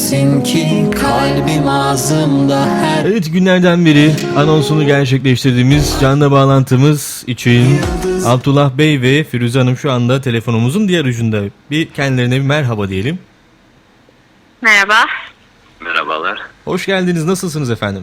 bilirsin ki kalbim ağzımda her... Evet, günlerden beri anonsunu gerçekleştirdiğimiz canlı bağlantımız için Abdullah Bey ve Firuze Hanım şu anda telefonumuzun diğer ucunda. Bir kendilerine bir merhaba diyelim. Merhaba. Merhabalar. Hoş geldiniz. Nasılsınız efendim?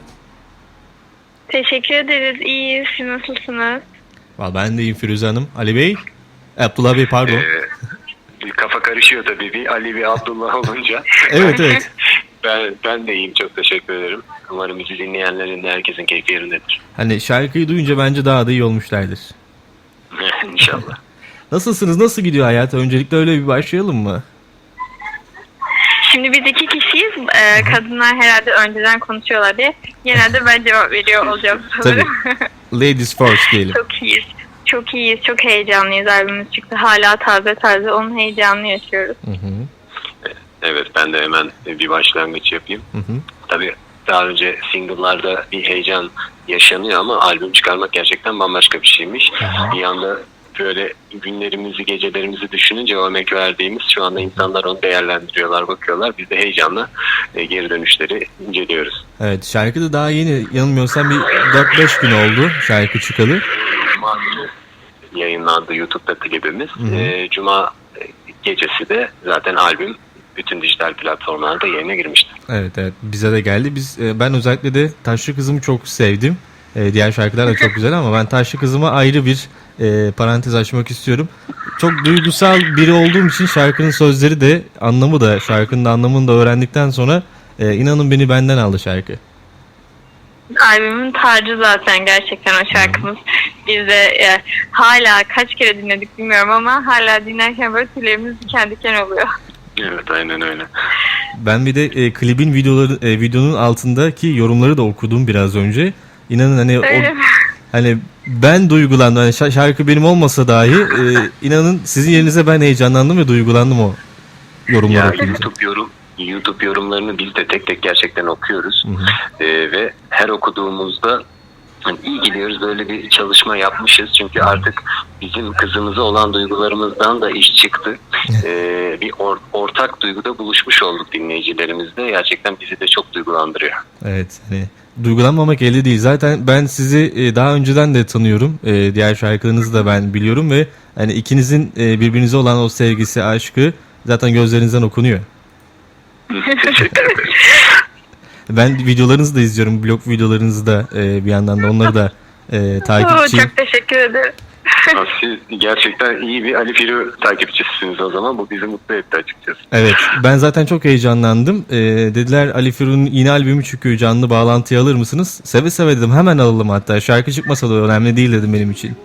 Teşekkür ederiz. İyiyiz. Siz nasılsınız? Vallahi ben de iyiyim Firuze Hanım. Ali Bey, Abdullah Bey pardon. Bir kafa karışıyor tabii bir Ali ve Abdullah olunca. Evet. Ben de iyiyim, çok teşekkür ederim. Umarım bizi dinleyenlerin de herkesin keyfi yerindedir. Hani şarkıyı duyunca bence daha da iyi olmuşlardır. İnşallah. Nasılsınız? Nasıl gidiyor hayat? Öncelikle öyle bir başlayalım mı? Şimdi biz iki kişiyiz. Kadınlar herhalde önceden konuşuyorlar diye. Genelde ben cevap veriyor olacağım sanırım. Ladies first diyelim. Çok iyiyiz. Çok iyiyiz. Çok heyecanlıyız. Albümümüz çıktı. Hala taze onun heyecanını yaşıyoruz. Hı hı. Evet, ben de hemen bir başlangıç yapayım. Hı hı. Tabii daha önce single'larda bir heyecan yaşanıyor ama albüm çıkarmak gerçekten bambaşka bir şeymiş. Bir yanda böyle günlerimizi, gecelerimizi düşününce o emek verdiğimiz, şu anda insanlar onu değerlendiriyorlar, bakıyorlar. Biz de heyecanla geri dönüşleri inceliyoruz. Evet, şarkı da daha yeni, yanılmıyorsam bir 4-5 gün oldu şarkı çıkalı. Cuma günü yayınlandı YouTube'da klibimiz. Cuma gecesi de zaten albüm bütün dijital platformlarda yayına girmişti. Evet, bize de geldi. Ben özellikle de Taşlı Kızım'ı çok sevdim. Diğer şarkılar da çok güzel ama ben Taşlı Kızım'a ayrı bir parantez açmak istiyorum. Çok duygusal biri olduğum için şarkının sözleri de şarkının da anlamını da öğrendikten sonra inanın beni benden aldı şarkı. Albümün tacı zaten gerçekten o şarkımız. Biz de hala kaç kere dinledik bilmiyorum ama hala dinlerken böyle tüylerimiz diken diken oluyor. Evet, aynen öyle. Ben bir de klibin videonun altındaki yorumları da okudum biraz önce. İnanın hani ben duygulandım. Hani şarkı benim olmasa dahi inanın sizin yerinize ben heyecanlandım ve duygulandım o yorumları okuyunca. YouTube yorumlarını biz de tek tek gerçekten okuyoruz. Ve her okuduğumuzda hani iyi gidiyoruz, böyle bir çalışma yapmışız. Çünkü artık bizim kızımıza olan duygularımızdan da iş çıktı. Bir ortak duyguda buluşmuş olduk dinleyicilerimizle. Gerçekten bizi de çok duygulandırıyor. Evet, hani duygulanmamak elde değil. Zaten ben sizi daha önceden de tanıyorum. Diğer şarkılarınızı da ben biliyorum ve hani ikinizin birbirinize olan o sevgisi, aşkı zaten gözlerinizden okunuyor. Teşekkür ederim. Ben videolarınızı da izliyorum. Blog videolarınızı da bir yandan da onları da takipçiyim. Çok teşekkür ederim. Siz gerçekten iyi bir Ali Firu takipçisiniz o zaman. Bu bizi mutlu etti açıkçası. Evet, ben zaten çok heyecanlandım. Dediler Ali Firu'nun yeni albümü çıkıyor, canlı bağlantıyı alır mısınız? Seve seve dedim, hemen alalım hatta. Şarkı çıkmasa da önemli değil dedim benim için.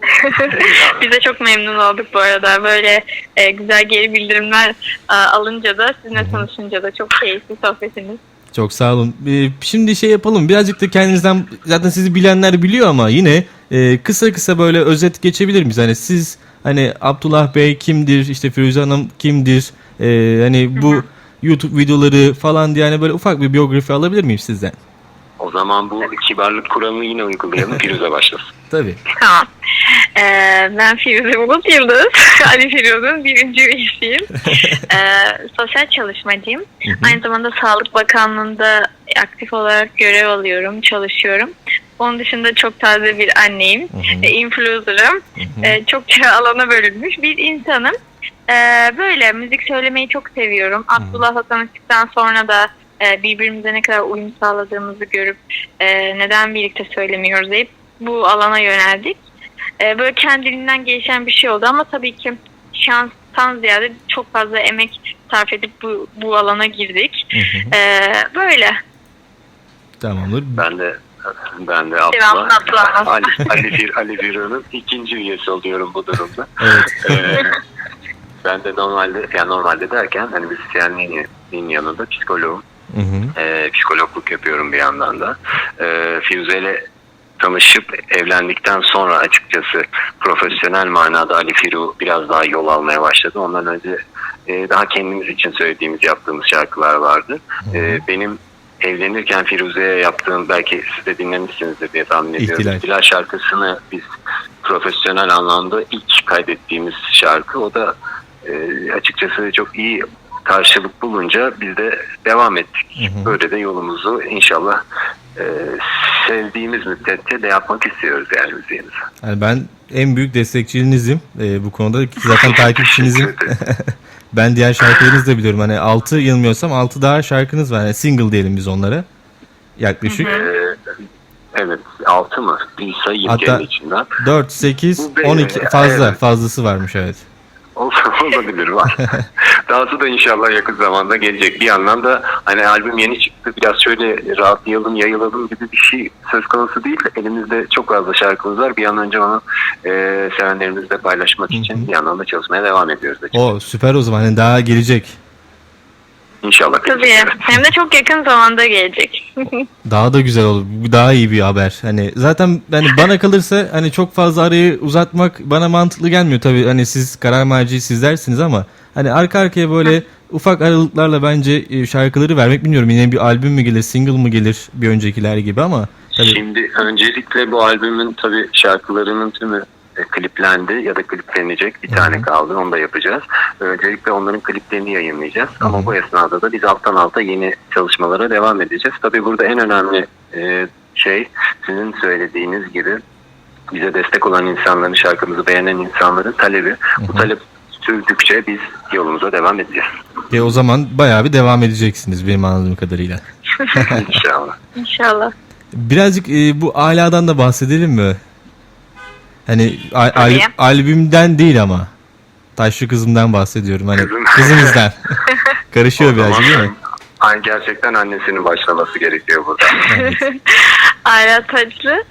Biz de çok memnun olduk bu arada. Böyle güzel geri bildirimler alınca da sizinle tanışınca da çok keyifli sohbetiniz. Çok sağ olun. Şimdi şey yapalım, birazcık da kendinizden, zaten sizi bilenler biliyor ama yine kısa böyle özet geçebilir miyiz? Hani siz, hani Abdullah Bey kimdir, işte Firuze Hanım kimdir, hani bu YouTube videoları falan diye hani böyle ufak bir biyografi alabilir miyim sizden? O zaman bu kibarlık kuralını yine uygulayalım. Firuze başlasın. Tabii. Tamam. Ben Firuze Bulut Yıldız. Ali Firuz'un birinci üyesiyim. Sosyal çalışmacıyım. Aynı zamanda Sağlık Bakanlığı'nda aktif olarak görev alıyorum, çalışıyorum. Onun dışında çok taze bir anneyim. Influencer'ım. Çokça alana bölünmüş bir insanım. Böyle müzik söylemeyi çok seviyorum. Abdullah'la tanıştıktan sonra da birbirimize ne kadar uyum sağladığımızı görüp neden birlikte söylemiyoruz deyip bu alana yöneldik. Böyle kendiliğinden gelişen bir şey oldu ama tabii ki şanstan ziyade çok fazla emek sarf edip bu alana girdik. Böyle. Tamamdır. Ben de Abdullah. Ali Firu'nun ikinci üyesi oluyorum bu durumda. Evet. Ben de normalde derken hani müzisyenliğin yanında psikoloğum. Psikologluk yapıyorum bir yandan da. Firuze ile tanışıp evlendikten sonra açıkçası profesyonel manada Ali Firu biraz daha yol almaya başladı. Ondan önce daha kendimiz için söylediğimiz, yaptığımız şarkılar vardı. Benim evlenirken Firuze'ye yaptığım, belki siz de dinlemişsinizdir diye tahmin ediyorum. İhtilal şarkısını biz profesyonel anlamda ilk kaydettiğimiz şarkı. O da açıkçası çok iyi karşılık bulunca biz de devam ettik. Böyle de yolumuzu inşallah sevdiğimiz müddetçe de yapmak istiyoruz yani müziğimizi. Yani ben en büyük destekçinizim bu konuda. Zaten takipçinizim. Ben diğer şarkılarınızı da biliyorum. Hani 6 yanılmıyorsam 6 daha şarkınız var. Yani single diyelim biz onlara. Yaklaşık. Evet, 6 mı? Bir sayayım Hatta kendi içinden. 4, 8, Bu 12 fazlası varmış evet. Olabilir var. Dahası da inşallah yakın zamanda gelecek. Bir yandan da hani albüm yeni çıktı. Biraz şöyle rahatlayalım, yayılalım gibi bir şey söz konusu değil. Elimizde çok fazla şarkımız var. Bir an önce onu sevenlerimizle paylaşmak için bir yandan da çalışmaya devam ediyoruz. O süper o zaman. Hani daha gelecek. İnşallah. Tabii. Hem de çok yakın zamanda gelecek. Daha da güzel olur. Bu daha iyi bir haber. Hani zaten hani bana kalırsa hani çok fazla arayı uzatmak bana mantıklı gelmiyor tabii. Hani siz karar merci sizlersiniz ama hani arka arkaya böyle ufak aralıklarla bence şarkıları vermek, bilmiyorum yine bir albüm mü gelir, single mı gelir bir öncekiler gibi ama tabii. Şimdi öncelikle bu albümün tabii şarkılarının tümü kliplendi ya da kliplenecek. Bir tane kaldı. Onu da yapacağız. Öncelikle onların kliplerini yayınlayacağız. Ama bu esnada da biz alttan alta yeni çalışmalara devam edeceğiz. Tabii burada en önemli şey sizin söylediğiniz gibi bize destek olan insanların, şarkımızı beğenen insanların talebi. Bu talep sürdükçe biz yolumuza devam edeceğiz. O zaman bayağı bir devam edeceksiniz benim anladığım kadarıyla. İnşallah. İnşallah. Birazcık bu Ala'dan da bahsedelim mi? Hani albümden değil ama. Taşlı Kızım'dan bahsediyorum. Hani kızımızdan. Karışıyor birazcık değil mi? Gerçekten annesinin başlaması gerekiyor burada. Ayla Taçlı.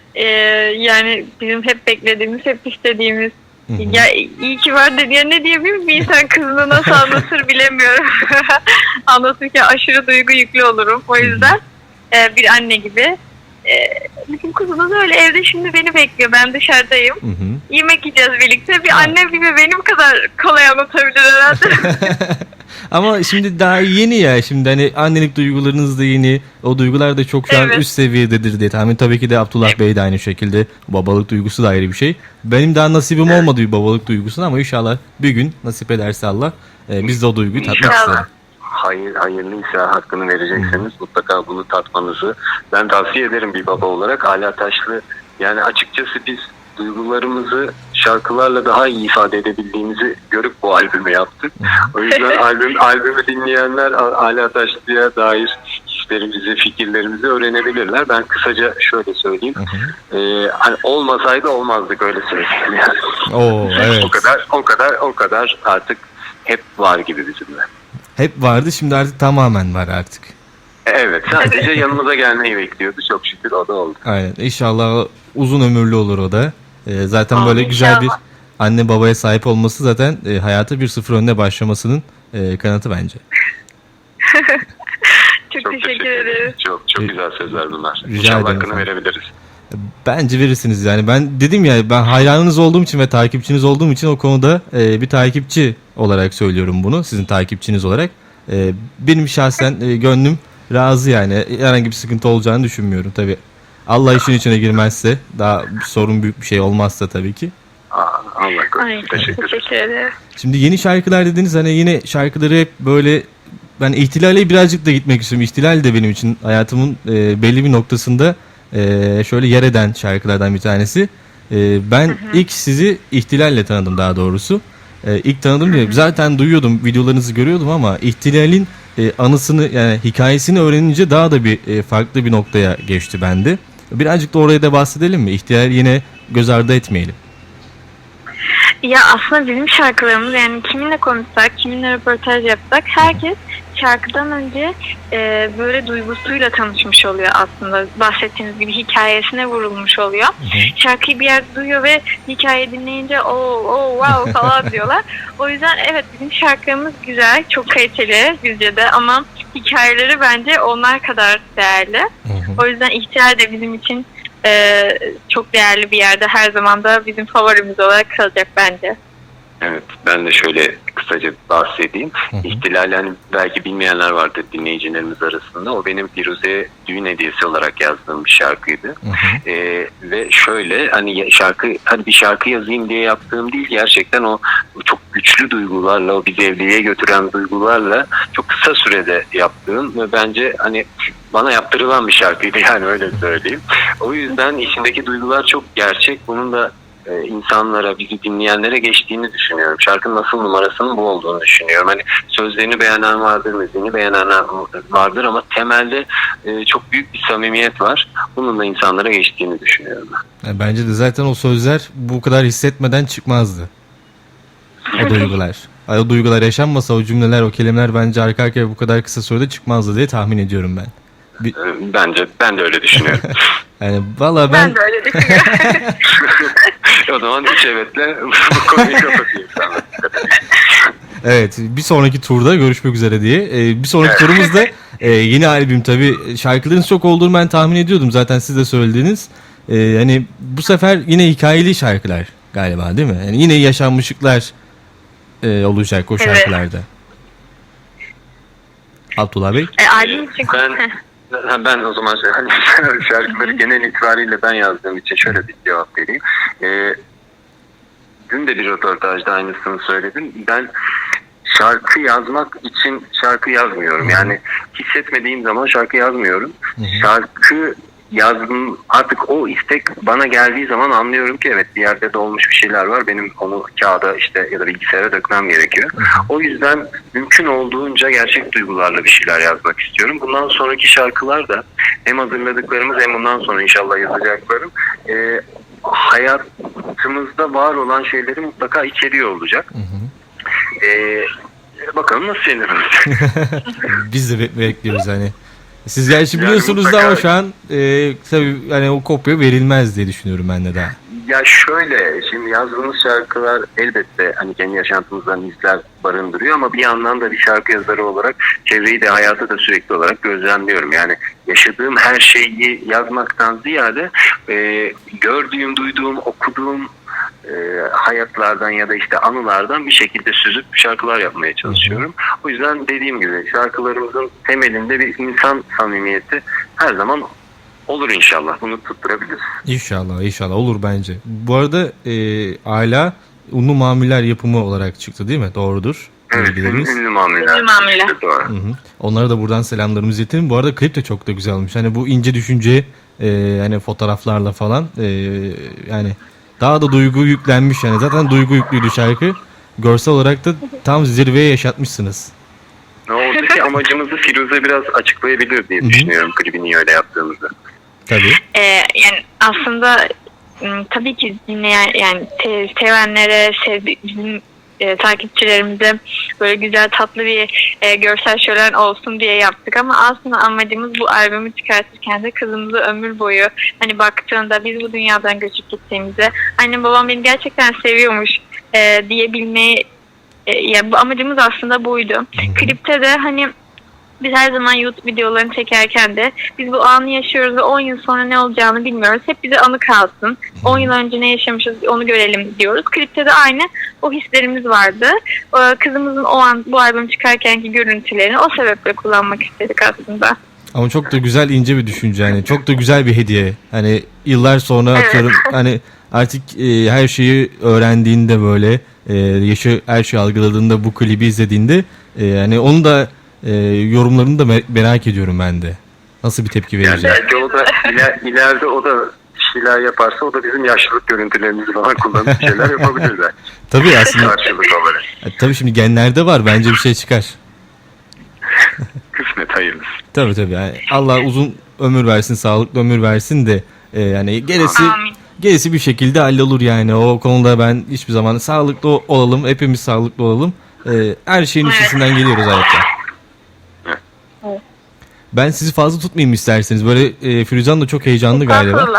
Yani bizim hep beklediğimiz, hep istediğimiz. Ya iyi ki var dedi. Ya ne diyebilirim, bir insan kızını nasıl anlatır bilemiyorum. Anlatırken aşırı duygu yüklü olurum. O yüzden bir anne gibi. Bizim kızımız öyle evde şimdi beni bekliyor. Ben dışarıdayım. Yemek yiyeceğiz birlikte. Bir anne gibi benim kadar kolay anlatabilir herhalde. Ama şimdi daha yeni ya. Şimdi hani annelik duygularınız da yeni. O duygular da çok şu an üst seviyededir diye tahmin. Tabii ki de Abdullah Bey de aynı şekilde. Babalık duygusu da ayrı bir şey. Benim daha nasibim olmadı bir babalık duygusuna ama inşallah bir gün nasip ederse Allah biz de o duyguyu tatmak isteriz. Hayırlıysa hakkını verecekseniz mutlaka bunu tatmanızı ben tavsiye ederim bir baba olarak. Ala Taşlı, yani açıkçası biz duygularımızı şarkılarla daha iyi ifade edebildiğimizi görüp bu albümü yaptık. O yüzden albümü dinleyenler Ala Taşlı'ya dair hislerimizi, fikirlerimizi öğrenebilirler. Ben kısaca şöyle söyleyeyim. Hani olmasaydı olmazdık, öyle söyleyeyim yani. Evet. O kadar artık hep var gibi bizimle. Hep vardı, şimdi artık tamamen var artık. Evet, sadece yanımıza gelmeyi bekliyordu. Çok şükür o da oldu. Aynen. İnşallah uzun ömürlü olur o da. Zaten böyle güzel bir anne babaya sahip olması zaten hayata 1-0 önüne başlamasının kanıtı bence. Çok teşekkür ederim. Çok güzel sözler bunlar. Rica İnşallah ederim hakkını efendim. verebiliriz. Bence verirsiniz yani. Ben dedim ya, ben hayranınız olduğum için ve takipçiniz olduğum için o konuda bir takipçi olarak söylüyorum bunu. Sizin takipçiniz olarak. Benim şahsen gönlüm razı yani. Herhangi bir sıkıntı olacağını düşünmüyorum tabii. Allah işin içine girmezse, daha sorun büyük bir şey olmazsa tabii ki. Allah korusun. Teşekkür ederim. Şimdi yeni şarkılar dediniz, hani yine şarkıları hep böyle, ben ihtilale birazcık da gitmek istiyorum. İhtilal de benim için hayatımın belli bir noktasında şöyle yer eden şarkılardan bir tanesi. Ben ilk sizi ihtilalle tanıdım daha doğrusu. İlk tanıdım diye zaten duyuyordum, videolarınızı görüyordum ama ihtilalin anısını, yani hikayesini öğrenince daha da bir farklı bir noktaya geçti bende. Birazcık da oraya da bahsedelim mi? İhtilal yine göz ardı etmeyelim. Ya aslında bizim şarkılarımız, yani kiminle konuşsak, kiminle röportaj yapsak, herkes şarkıdan önce böyle duygusuyla tanışmış oluyor aslında. Bahsettiğiniz gibi hikayesine vurulmuş oluyor. Şarkıyı bir yerde duyuyor ve hikayeyi dinleyince wow falan diyorlar. O yüzden evet, bizim şarkılarımız güzel, çok kaliteli bizce de, ama hikayeleri bence onlar kadar değerli. O yüzden İhtilal de bizim için çok değerli bir yerde, her zaman da bizim favorimiz olarak kalacak bence. Evet, ben de şöyle kısaca bahsedeyim. İhtilal, hani belki bilmeyenler vardır dinleyicilerimiz arasında. O benim Firuze'ye düğün hediyesi olarak yazdığım bir şarkıydı. Ve şöyle, hani bir şarkı yazayım diye yaptığım değil, gerçekten o çok güçlü duygularla, o bizi evliliğe götüren duygularla çok kısa sürede yaptığım ve bence hani bana yaptırılan bir şarkıydı, yani öyle söyleyeyim. O yüzden içindeki duygular çok gerçek. Bunun da insanlara, bizi dinleyenlere geçtiğini düşünüyorum. Şarkının asıl numarasının bu olduğunu düşünüyorum. Hani sözlerini beğenen vardır, müziğini beğenen vardır ama temelde çok büyük bir samimiyet var. Bunun da insanlara geçtiğini düşünüyorum ben. Yani bence de zaten o sözler bu kadar hissetmeden çıkmazdı. O duygular. O duygular yaşanmasa o cümleler, o kelimeler bence arka arkaya bu kadar kısa sürede çıkmazdı diye tahmin ediyorum ben. Bence ben de öyle düşünüyorum. Yani valla Ben de öyle düşünüyorum. O zaman üç evetle bu konuyu kapatayım sana. evet, bir sonraki turda görüşmek üzere diye. Bir sonraki turumuzda yeni albüm tabii. Şarkıların çok olduğunu ben tahmin ediyordum. Zaten siz de söylediğiniz. Hani bu sefer yine hikayeli şarkılar galiba, değil mi? Yani yine yaşanmışlıklar olacak o şarkılarda. Abdullah Bey? Albüm için... Ben o zaman hani şarkıları genel itibariyle ben yazdığım için şöyle bir cevap vereyim. Dün de bir röportajda aynısını söyledim. Ben şarkı yazmak için şarkı yazmıyorum. Yani hissetmediğim zaman şarkı yazmıyorum. Şarkı yazdım, artık o istek bana geldiği zaman anlıyorum ki evet, bir yerde dolmuş bir şeyler var. Benim onu kağıda işte ya da bilgisayara dökmem gerekiyor. O yüzden mümkün olduğunca gerçek duygularla bir şeyler yazmak istiyorum. Bundan sonraki şarkılar da hem hazırladıklarımız hem bundan sonra inşallah yazacaklarım hayatımızda var olan şeyleri mutlaka içeriyor olacak. Bakalım nasıl şeyler olacak. Biz de bekliyoruz hani. Siz gerçi biliyorsunuz da ama şu an tabii hani o kopya verilmez diye düşünüyorum ben de daha. Ya şöyle, şimdi yazdığımız şarkılar elbette hani kendi yaşantımızdan izler barındırıyor ama bir yandan da bir şarkı yazarı olarak çevreyi de hayatı da sürekli olarak gözlemliyorum. Yani yaşadığım her şeyi yazmaktan ziyade gördüğüm, duyduğum, okuduğum hayatlardan ya da işte anılardan bir şekilde süzüp şarkılar yapmaya çalışıyorum. O yüzden dediğim gibi şarkılarımızın temelinde bir insan samimiyeti her zaman olur inşallah. Bunu tutturabiliriz. İnşallah, inşallah olur bence. Bu arada Ayla Unlu Mamuller yapımı olarak çıktı değil mi? Doğrudur. Evet, ünlü mamuller. Ünlü mamuller. Doğru. Onlara da buradan selamlarımızı iletelim. Bu arada klip de çok da güzel olmuş. Hani bu ince düşünce hani fotoğraflarla falan yani daha da duygu yüklenmiş yani. Zaten duygu yüklüydü şarkı. Görsel olarak da tam zirveye yaşatmışsınız. Oradaki amacımızı Firuze biraz açıklayabilir diye düşünüyorum klibini niye öyle yaptığımızda. Tabii. Yani aslında tabii ki dinleyen, yani sevenlere, bizim takipçilerimize böyle güzel tatlı bir görsel şölen olsun diye yaptık ama aslında amacımız bu albümü çıkartırken de kızımızı ömür boyu hani baktığında biz bu dünyadan göçüp gittiğimizde annem babam beni gerçekten seviyormuş diyebilmeyi, yani bu amacımız aslında buydu. Klipte de hani biz her zaman YouTube videolarını çekerken de biz bu anı yaşıyoruz ve 10 yıl sonra ne olacağını bilmiyoruz. Hep bize anı kalsın. 10 yıl önce ne yaşamışız onu görelim diyoruz. Klipte de aynı o hislerimiz vardı. Kızımızın o an bu albüm çıkarkenki görüntülerini o sebeple kullanmak istedik aslında. Ama çok da güzel, ince bir düşünce yani. Çok da güzel bir hediye. Hani yıllar sonra atıyorum hani artık her şeyi öğrendiğinde böyle her şeyi algıladığında bu klibi izlediğinde yani onu da yorumlarını da merak ediyorum ben de. Nasıl bir tepki verecek? Yani belki o da ileride o da şeyler yaparsa o da bizim yaşlılık görüntülerimizi falan kullanıp şeyler yapabilirler. Tabii aslında. Karşılık olarak. Tabii şimdi genlerde var. Bence bir şey çıkar. Kısmet hayırlısı. Tabii. Yani Allah uzun ömür versin, sağlıklı ömür versin de yani gerisi bir şekilde hallolur yani. O konuda ben hiçbir zaman sağlıklı olalım, hepimiz sağlıklı olalım. Her şeyin üstesinden geliyoruz hayatta. Ben sizi fazla tutmayayım isterseniz. Böyle Firuzan da çok heyecanlı galiba.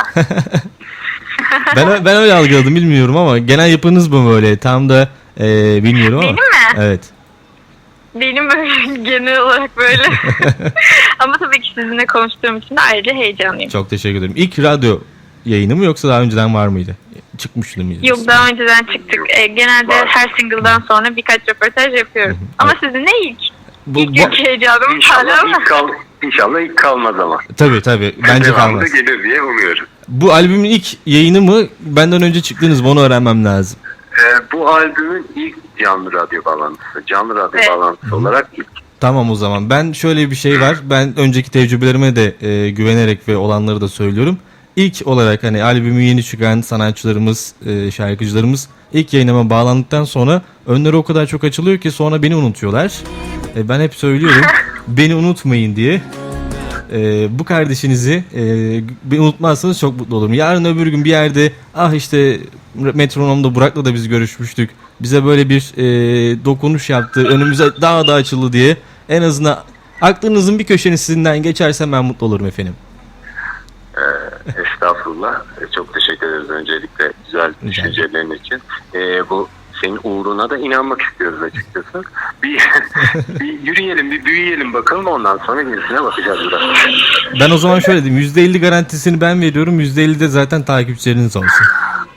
ben öyle algıladım, bilmiyorum ama genel yapınız mı böyle? Tam da bilmiyorum ama. Benim mi? Evet. Benim böyle genel olarak böyle. Ama tabii ki sizinle konuştuğum için de ayrıca heyecanlıyım. Çok teşekkür ederim. İlk radyo yayını mı yoksa daha önceden var mıydı? Çıkmıştı mıydı? Yok, daha önceden çıktık. Genelde her single'dan sonra birkaç röportaj yapıyorum. Ama sizinle ilk. İlk heyecanım hala ama. İnşallah ilk kalmaz ama. Tabii. Bence kalmaz. Gelir diye umuyorum. Bu albümün ilk yayını mı? Benden önce çıktınız mı? Onu öğrenmem lazım. Bu albümün ilk canlı radyo bağlantısı. Canlı radyo bağlantısı olarak ilk. Tamam o zaman. Ben şöyle bir şey var. Ben önceki tecrübelerime de güvenerek ve olanları da söylüyorum. İlk olarak hani albümü yeni çıkan sanatçılarımız, şarkıcılarımız ilk yayınıma bağlandıktan sonra önleri o kadar çok açılıyor ki sonra beni unutuyorlar. Ben hep söylüyorum beni unutmayın diye. Bu kardeşinizi beni unutmazsanız çok mutlu olurum. Yarın öbür gün bir yerde işte Metronom'da Burak'la da biz görüşmüştük. Bize böyle bir dokunuş yaptı. Önümüze daha da açıldı diye. En azından aklınızın bir köşesinden geçerse ben mutlu olurum efendim. Estağfurullah. Çok teşekkür ederiz öncelikle güzel düşüncelerin için. Bu senin uğruna da inanmak istiyoruz açıkçası. Bir yürüyelim, bir büyüyelim bakalım, ondan sonra gerisine bakacağız biraz. Ben o zaman şöyle diyeyim. %50 garantisini ben veriyorum. %50 de zaten takipçileriniz olsun.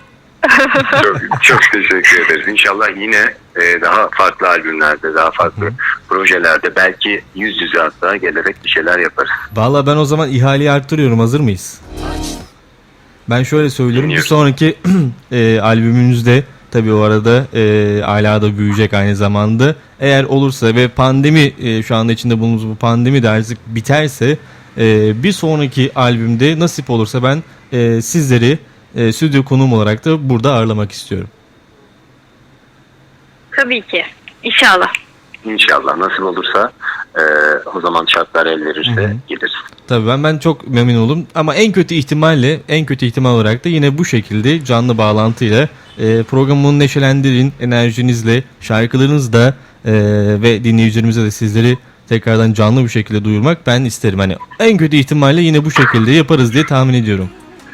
Çok teşekkür ederiz. İnşallah yine daha farklı albümlerde, daha farklı projelerde, belki yüz yüze hatta gelerek bir şeyler yaparız. Vallahi ben o zaman ihaleyi arttırıyorum. Hazır mıyız? Ben şöyle söylüyorum. Bir sonraki albümünüzde tabii o arada Ala da büyüyecek aynı zamanda. Eğer olursa ve pandemi şu anda içinde bulunduğumuz bu pandemi de artık biterse bir sonraki albümde nasip olursa ben sizleri stüdyo konuğum olarak da burada ağırlamak istiyorum. Tabii ki. İnşallah. İnşallah nasip olursa o zaman şartlar el verirse geliriz. Tabii ben çok memnun oldum ama en kötü ihtimal olarak da yine bu şekilde canlı bağlantıyla programımı neşelendirin, enerjinizle, şarkılarınızla ve dinleyicilerimize de sizleri tekrardan canlı bir şekilde duyurmak ben isterim. Hani en kötü ihtimalle yine bu şekilde yaparız diye tahmin ediyorum.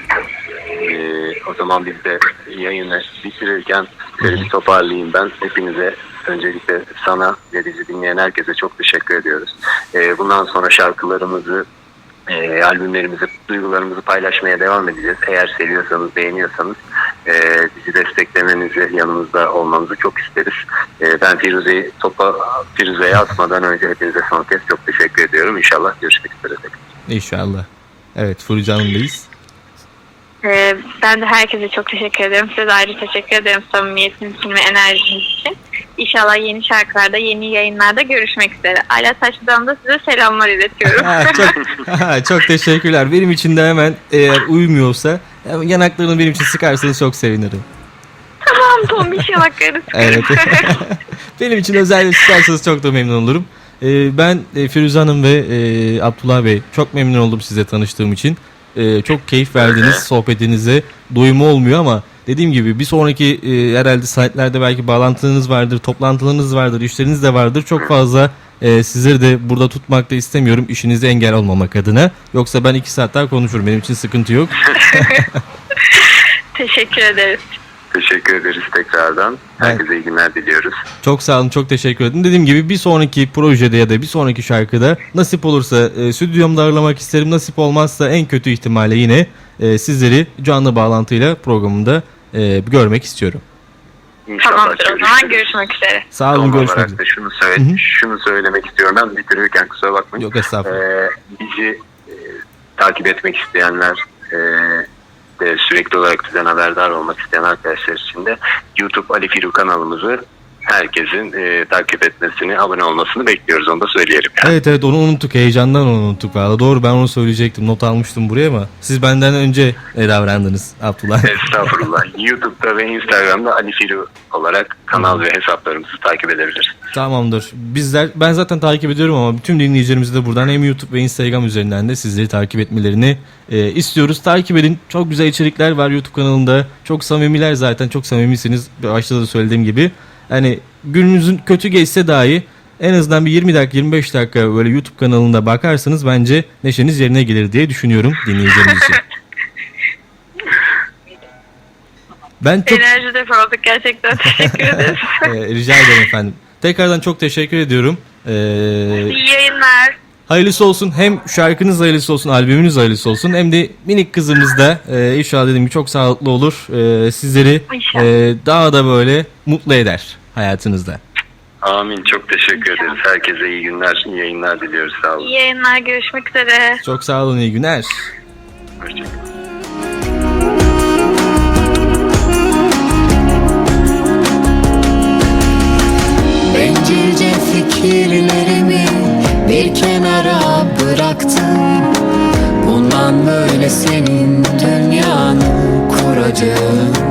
O zaman biz de yayını bitirirken bir toparlayayım ben. Hepinize, öncelikle sana ve bizi dinleyen herkese çok teşekkür ediyoruz. Bundan sonra şarkılarımızı, albümlerimizi, duygularımızı paylaşmaya devam edeceğiz. Eğer seviyorsanız, beğeniyorsanız bizi desteklemenizi, yanımızda olmanızı çok isteriz. Ben Firuze'ye atmadan önce hepinize son kez çok teşekkür ediyorum. İnşallah görüşmek üzere. İnşallah. Evet, Furucu Hanım'dayız. Ben de herkese çok teşekkür ederim. Size de ayrı teşekkür ederim samimiyetiniz için ve enerjiniz için. İnşallah yeni şarkılarda, yeni yayınlarda görüşmek üzere. Ala Taşlı'dan da size selamlar iletiyorum. Çok teşekkürler. Benim için de hemen eğer uymuyorsa yanaklarını benim için sıkarsanız çok sevinirim. Tamam, tombiş yanaklarını sıkarım. Evet. Benim için özellikle sıkarsanız çok da memnun olurum. Ben Firuze Hanım ve Abdullah Bey çok memnun oldum size tanıştığım için. Çok keyif verdiniz sohbetinize. Doyumu olmuyor ama dediğim gibi bir sonraki herhalde saatlerde belki bağlantınız vardır, toplantılarınız vardır, işleriniz de vardır. Çok fazla sizleri de burada tutmak da istemiyorum işinize engel olmamak adına. Yoksa ben 2 saat daha konuşurum. Benim için sıkıntı yok. Teşekkür ederiz. Teşekkür ederiz tekrardan. Herkese iyi günler diliyoruz. Çok sağ olun, çok teşekkür ederim. Dediğim gibi bir sonraki projede ya da bir sonraki şarkıda nasip olursa stüdyomda ağırlamak isterim. Nasip olmazsa en kötü ihtimalle yine sizleri canlı bağlantıyla programımda görmek istiyorum. İnşallah. Tamamdır, o zaman görüşmek üzere. Sağ olun, görüşmek üzere. Şunu söylemek istiyorum. Ben bitirirken kusura bakmayın. Yok, estağfurullah. Bizi takip etmek isteyenler, sürekli olarak bizden haberdar olmak isteyen arkadaşlar için de YouTube Ali Firu kanalımızı herkesin takip etmesini, abone olmasını bekliyoruz. Onu da söyleyelim. Yani. Evet, onu unuttuk. Heyecandan onu unuttuk. Valla doğru, ben onu söyleyecektim. Not almıştım buraya ama siz benden önce davrandınız Abdullah. Estağfurullah. YouTube'da ve Instagram'da Ali Firu olarak kanal ve hesaplarımızı takip edebilirsiniz. Tamamdır. Ben zaten takip ediyorum ama bütün dinleyicilerimizi de buradan hem YouTube ve Instagram üzerinden de sizleri takip etmelerini istiyoruz. Takip edin. Çok güzel içerikler var YouTube kanalında. Çok samimiler zaten. Çok samimisiniz. Başta da söylediğim gibi. Hani gününüzün kötü geçse dahi en azından bir 20 dakika 25 dakika böyle YouTube kanalında bakarsanız bence neşeniz yerine gelir diye düşünüyorum dinleyicilerimiz için. Ben çok Enerji depo olduk gerçekten. Teşekkür ederiz. rica ederim efendim. Tekrardan çok teşekkür ediyorum. İyi yayınlar. Hayırlısı olsun. Hem şarkınız hayırlısı olsun, albümünüz hayırlısı olsun. Hem de minik kızımız da inşallah dediğim gibi çok sağlıklı olur. Sizleri daha da böyle mutlu eder hayatınızda. Amin. Çok teşekkür ederiz. Herkese iyi günler, iyi yayınlar diliyoruz. Sağ olun. İyi yayınlar. Görüşmek üzere. Çok sağ olun. İyi günler. Hoşçakalın. Bencilce fikirlerimi bir kenara bıraktım. Bundan böyle senin dünyanı kuracağım.